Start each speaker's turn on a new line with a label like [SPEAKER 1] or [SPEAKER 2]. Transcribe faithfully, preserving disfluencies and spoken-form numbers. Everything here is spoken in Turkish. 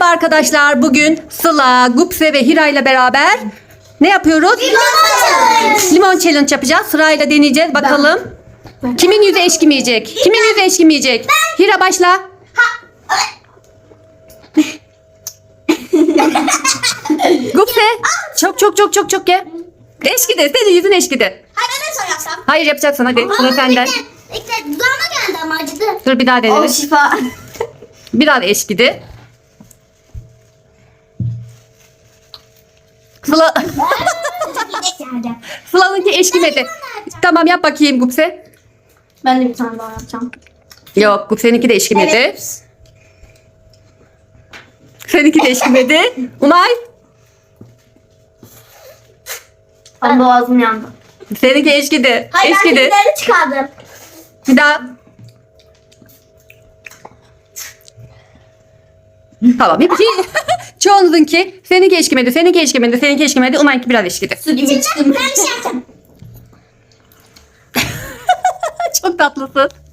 [SPEAKER 1] Merhaba arkadaşlar. Bugün Sıla, Gupse ve Hira ile beraber ne yapıyoruz?
[SPEAKER 2] Limon challenge.
[SPEAKER 1] Limon challenge yapacağız. Sırayla deneyeceğiz. Bakalım. Kimin yüzü eşkimeyecek? Kimin yüzü eşkimeyecek? Hira başla. Gupse. Çok çok çok çok çok ye. Eşkidi. Senin yüzün eşkidi.
[SPEAKER 2] Hayır ben de sorarsam.
[SPEAKER 1] Hayır yapacaksın hadi. Sıra senden.
[SPEAKER 2] Bekle. Bekle. Dudağıma geldi ama acıdı.
[SPEAKER 1] Dur bir daha deneyelim.
[SPEAKER 2] şifa.
[SPEAKER 1] Bir daha da eşkidi. Sıla.
[SPEAKER 2] İnek geldi.
[SPEAKER 1] Sıla'nınki eşkimedi. Tamam yap bakayım Gupse.
[SPEAKER 2] Ben de bir tane daha yapacağım.
[SPEAKER 1] Yok Gupse'ninki de eşkimedi.
[SPEAKER 2] Evet.
[SPEAKER 1] Seninki de eşkimedi. Umay.
[SPEAKER 2] Ben boğazım yandı.
[SPEAKER 1] Seninki eşkidi.
[SPEAKER 2] Hayır ben
[SPEAKER 1] Eşkidi.
[SPEAKER 2] kedileri çıkardım.
[SPEAKER 1] Bir daha. Tamam. Hep şey. Çoğunuzunki seninki eşkimedi. Seninki eşkimedi. Seninki eşkimedi. Umay'ınki biraz eşkidi.
[SPEAKER 2] Su gibi çıktım. Ben bir şey yapacağım.
[SPEAKER 1] Çok tatlısın.